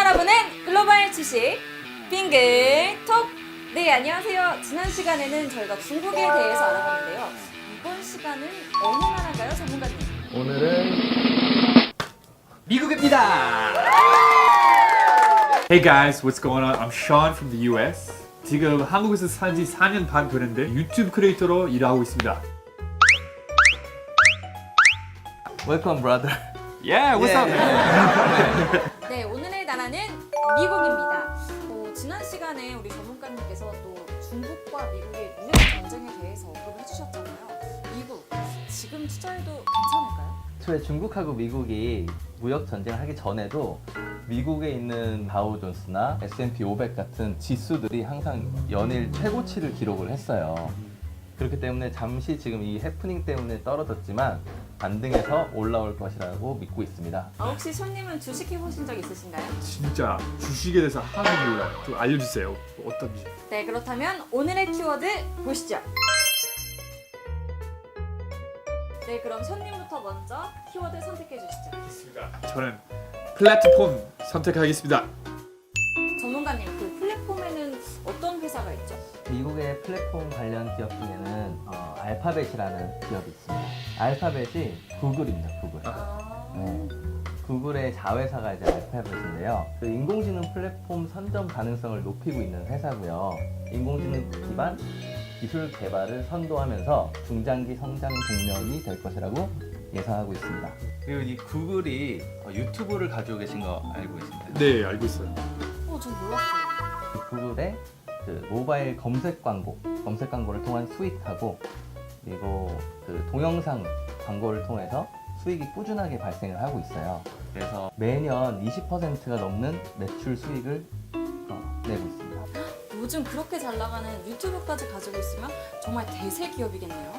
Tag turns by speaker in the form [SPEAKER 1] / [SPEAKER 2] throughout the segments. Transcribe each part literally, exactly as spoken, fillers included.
[SPEAKER 1] 여러분은 글로벌 주식 빙글톡. 네, 안녕하세요. 지난 시간에는 저희가 중국에 대해서 알아봤는데요. 이번 시간은 어느 나라인가요, 전문가님?
[SPEAKER 2] 오늘은 미국입니다.
[SPEAKER 3] Hey guys, what's going on? I'm Sean from the U S. 지금 한국에서 산 지 사 년 반 되는데 유튜브 크리에이터로 일하고 있습니다.
[SPEAKER 2] Welcome, brother.
[SPEAKER 3] Yeah, what's up?
[SPEAKER 1] 네, 오늘의 나라는 미국입니다. 어, 지난 시간에 우리 전문가님께서 또 중국과 미국의 무역 전쟁에 대해서 언급을 해주셨잖아요. 미국, 지금 투자해도 괜찮을까요?
[SPEAKER 2] 초에 중국하고 미국이 무역 전쟁을 하기 전에도 미국에 있는 다우존스나 에스 앤 피 오백 같은 지수들이 항상 연일 최고치를 기록을 했어요. 그렇기 때문에 잠시 지금 이 해프닝 때문에 떨어졌지만 반등해서 올라올 것이라고 믿고 있습니다.
[SPEAKER 1] 아, 혹시 손님은 주식 해보신 적 있으신가요?
[SPEAKER 3] 진짜 주식에 대해서 하나도 몰라요. 좀 알려주세요. 어떤지.
[SPEAKER 1] 네, 그렇다면 오늘의 키워드 보시죠. 네, 그럼 손님부터 먼저 키워드 선택해 주시죠.
[SPEAKER 3] 알겠습니다. 저는 플랫폼 선택하겠습니다.
[SPEAKER 1] 전문가님, 그 플랫폼에는 어떤 회사가 있죠?
[SPEAKER 2] 미국의 플랫폼 관련 기업 중에는 어, 알파벳이라는 기업이 있습니다. 알파벳이 구글입니다. 구글.
[SPEAKER 1] 아...
[SPEAKER 2] 네. 구글의 자회사가 이제 알파벳인데요. 그 인공지능 플랫폼 선점 가능성을 높이고 있는 회사고요. 인공지능 기반 기술 개발을 선도하면서 중장기 성장 동력이 될 것이라고 예상하고 있습니다. 그리고 이 구글이 유튜브를 가지고 계신 거 알고 계신가요?
[SPEAKER 3] 네, 알고 있어요.
[SPEAKER 1] 어, 전 몰랐어요.
[SPEAKER 2] 그 구글의 그 모바일 검색 광고, 검색 광고를 통한 수익하고 그리고 그 동영상 광고를 통해서 수익이 꾸준하게 발생을 하고 있어요. 그래서 매년 이십 퍼센트가 넘는 매출 수익을 어, 내고 있습니다.
[SPEAKER 1] 요즘 그렇게 잘 나가는 유튜브까지 가지고 있으면 정말 대세 기업이겠네요.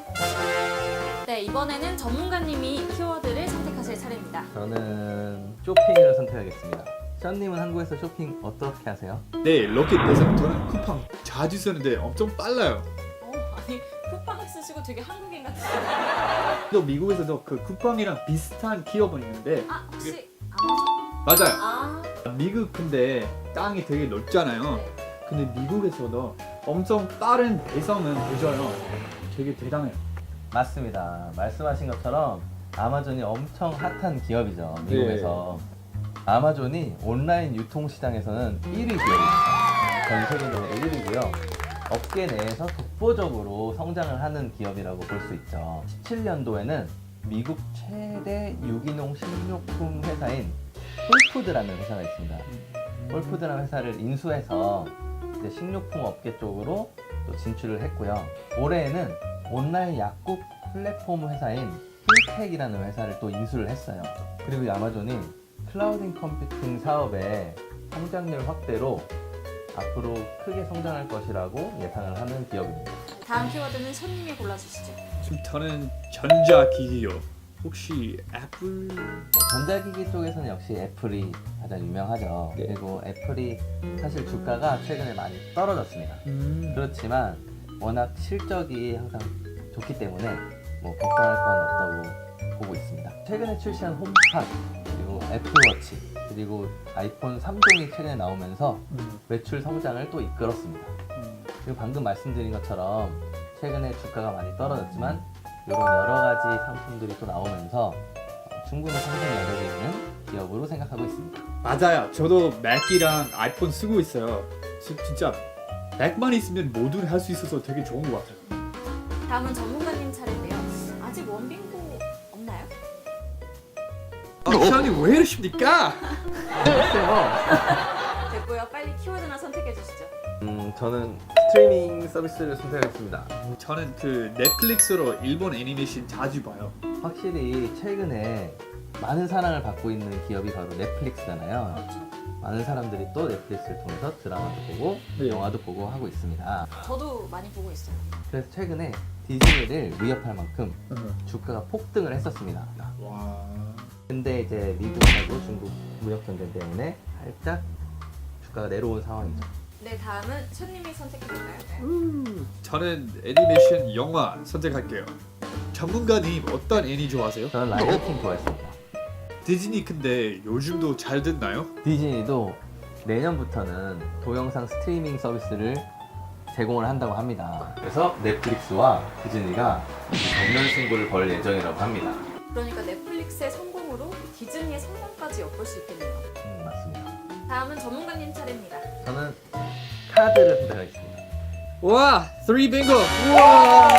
[SPEAKER 1] 네, 이번에는 전문가님이 키워드를 선택하실 차례입니다.
[SPEAKER 2] 저는 쇼핑을 선택하겠습니다. 션님은 한국에서 쇼핑 어떻게 하세요?
[SPEAKER 3] 네, 럭키 대상 저는 쿠팡 자주 쓰는데 엄청 빨라요.
[SPEAKER 1] 어, 아니 쿠팡 쓰시고 되게 한국인 같아요.
[SPEAKER 3] 또 미국에서도 그 쿠팡이랑 비슷한 기업은 있는데
[SPEAKER 1] 아, 혹시 아마존?
[SPEAKER 3] 맞아요.
[SPEAKER 1] 아,
[SPEAKER 3] 미국 근데 땅이 되게 넓잖아요.
[SPEAKER 1] 네.
[SPEAKER 3] 근데 미국에서도 엄청 빠른 배송은 되져요. 되게 대단해요.
[SPEAKER 2] 맞습니다. 말씀하신 것처럼 아마존이 엄청 핫한 기업이죠. 미국에서. 아마존이 온라인 유통 시장에서는 일 위 기업입니다. 전 세계적으로 일 위고요. 업계 내에서 독보적으로 성장을 하는 기업이라고 볼 수 있죠. 십칠 년도에는 미국 최대 유기농 식료품 회사인 홀푸드라는 회사가 있습니다. 홀푸드라는 회사를 인수해서 이제 식료품 업계 쪽으로 또 진출을 했고요. 올해에는 온라인 약국 플랫폼 회사인 힐텍이라는 회사를 또 인수를 했어요. 그리고 이 아마존이 클라우딩 컴퓨팅 사업의 성장률 확대로 앞으로 크게 성장할 것이라고 예상을 하는 기업입니다.
[SPEAKER 1] 다음 키워드는 손님이 골라주시죠.
[SPEAKER 3] 지금 저는 전자기기요. 혹시 애플?
[SPEAKER 2] 전자기기 쪽에서는 역시 애플이 가장 유명하죠.
[SPEAKER 3] 네.
[SPEAKER 2] 그리고 애플이 사실 주가가 최근에 많이 떨어졌습니다.
[SPEAKER 3] 음.
[SPEAKER 2] 그렇지만 워낙 실적이 항상 좋기 때문에 뭐 걱정할 건 없다고 보고 있습니다. 최근에 출시한 홈팟 그리고 애플워치 그리고 아이폰 삼 종이 최근에 나오면서
[SPEAKER 3] 음.
[SPEAKER 2] 매출 성장을 또 이끌었습니다.
[SPEAKER 3] 음.
[SPEAKER 2] 그리고 방금 말씀드린 것처럼 최근에 주가가 많이 떨어졌지만 이런 여러 가지 상품들이 또 나오면서 충분히 성장 여력이 있는 기업으로 생각하고 있습니다.
[SPEAKER 3] 맞아요. 저도 맥이랑 아이폰 쓰고 있어요. 지, 진짜 맥만 있으면 모두 할 수 있어서 되게 좋은 것 같아요.
[SPEAKER 1] 다음은 전문가님 차례인데요. 아직 원빙고 없나요?
[SPEAKER 3] 아, 시안이 왜 이러십니까?
[SPEAKER 2] 글쎄요.
[SPEAKER 1] 됐고요. 빨리 키워드나 선택해 주시죠.
[SPEAKER 2] 음, 저는 스트리밍 서비스를 선택하겠습니다.
[SPEAKER 3] 저는 그 넷플릭스로 일본 애니메이션 자주 봐요.
[SPEAKER 2] 확실히 최근에 많은 사랑을 받고 있는 기업이 바로 넷플릭스잖아요.
[SPEAKER 1] 그렇죠.
[SPEAKER 2] 많은 사람들이 또 넷플릭스를 통해서 드라마도 보고
[SPEAKER 3] 네.
[SPEAKER 2] 영화도 보고 하고 있습니다.
[SPEAKER 1] 저도 많이 보고 있어요.
[SPEAKER 2] 그래서 최근에 디즈니를 위협할 만큼
[SPEAKER 3] 음.
[SPEAKER 2] 주가가 폭등을 했었습니다.
[SPEAKER 3] 와.
[SPEAKER 2] 근데 이제 미국하고 중국 무역 전쟁 때문에 살짝 주가가 내려온 상황이죠.
[SPEAKER 1] 네, 다음은 손님이 선택해 볼까요?
[SPEAKER 3] 음. 저는 애니메이션 영화 선택할게요. 전문가님 어떤 애니 좋아하세요?
[SPEAKER 2] 저는 라이언 킹 좋아했습니다.
[SPEAKER 3] 디즈니 근데 요즘도 잘 됐나요?
[SPEAKER 2] 디즈니도 내년부터는 동영상 스트리밍 서비스를 제공을 한다고 합니다. 그래서 넷플릭스와 디즈니가 정면 승부를 벌 예정이라고 합니다.
[SPEAKER 1] 그러니까 넷플릭스의 성공으로 디즈니의 성공까지 엿볼 수 있겠네요.
[SPEAKER 2] 음, 맞습니다.
[SPEAKER 1] 다음은 전문가님 차례입니다.
[SPEAKER 2] 저는 카드를 선택하겠습니다.
[SPEAKER 3] 와, 쓰리 빙고. 우와.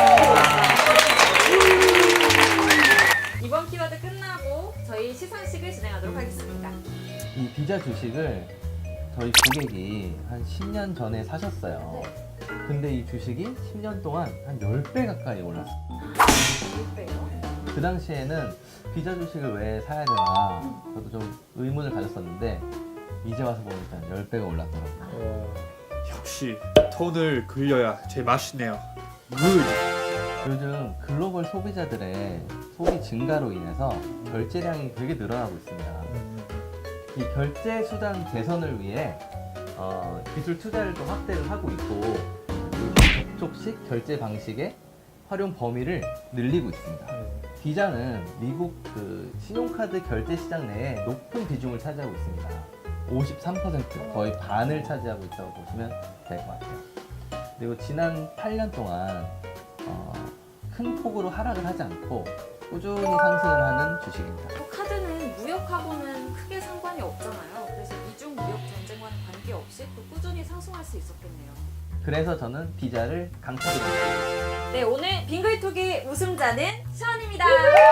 [SPEAKER 1] 이번 키워드 끝나고 저희 시상식을 진행하도록 하겠습니다.
[SPEAKER 2] 이 비자 주식을 저희 고객이 한 십 년 전에 사셨어요. 근데 이 주식이 십 년 동안 한 십 배 가까이 올랐어요.
[SPEAKER 1] 육 배요.
[SPEAKER 2] 그 당시에는 비자 주식을 왜 사야 되나 저도 좀 의문을 가졌었는데 이제 와서 보니까 십 배가 올랐더라고요.
[SPEAKER 3] 어, 역시 톤을 굴려야 제일 맛있네요. 굿.
[SPEAKER 2] 요즘 글로벌 소비자들의 소비 증가로 인해서 결제량이 되게 늘어나고 있습니다. 이 결제 수단 개선을 위해 어, 기술 투자를 또 확대를 하고 있고 그 접촉식 결제 방식의 활용 범위를 늘리고 있습니다. 비자는 미국 그 신용카드 결제 시장 내에 높은 비중을 차지하고 있습니다. 오십삼 퍼센트 거의 반을 차지하고 있다고 보시면 될 것 같아요. 그리고 지난 팔 년 동안 어, 큰 폭으로 하락을 하지 않고 꾸준히 상승을 하는 주식입니다.
[SPEAKER 1] 또 카드는 무역하고는 크게 상관이 없잖아요. 그래서 미중 무역 전쟁과는 관계없이 또 꾸준히 상승할 수 있었겠네요.
[SPEAKER 2] 그래서 저는 비자를 강추드립니다.
[SPEAKER 1] 네, 오늘 빙글톡의 우승자는 시원입니다.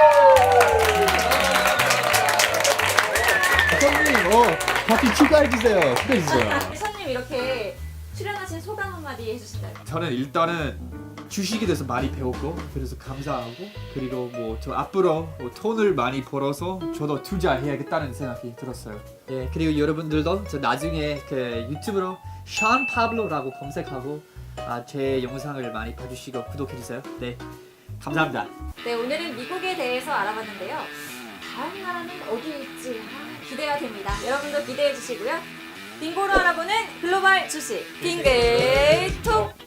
[SPEAKER 3] 형님, 어, 바퀴 추가해주세요. 추가해주세요.
[SPEAKER 1] 시원님 이렇게 출연하신 소감 한마디 해주신다면?
[SPEAKER 3] 저는 일단은 주식에 대해서 많이 배웠고 그래서 감사하고 그리고 뭐 저 앞으로 뭐 돈을 많이 벌어서 저도 투자해야겠다는 생각이 들었어요. 예, 그리고 여러분들도 저 나중에 그 유튜브로 션 파블로라고 검색하고 아, 제 영상을 많이 봐주시고 구독해주세요. 네, 감사합니다.
[SPEAKER 1] 네, 오늘은 미국에 대해서 알아봤는데요. 다음 나라는 어디에 있지? 아, 기대가 됩니다. 여러분도 기대해 주시고요. 빙고로 알아보는 글로벌 주식 빙글톡!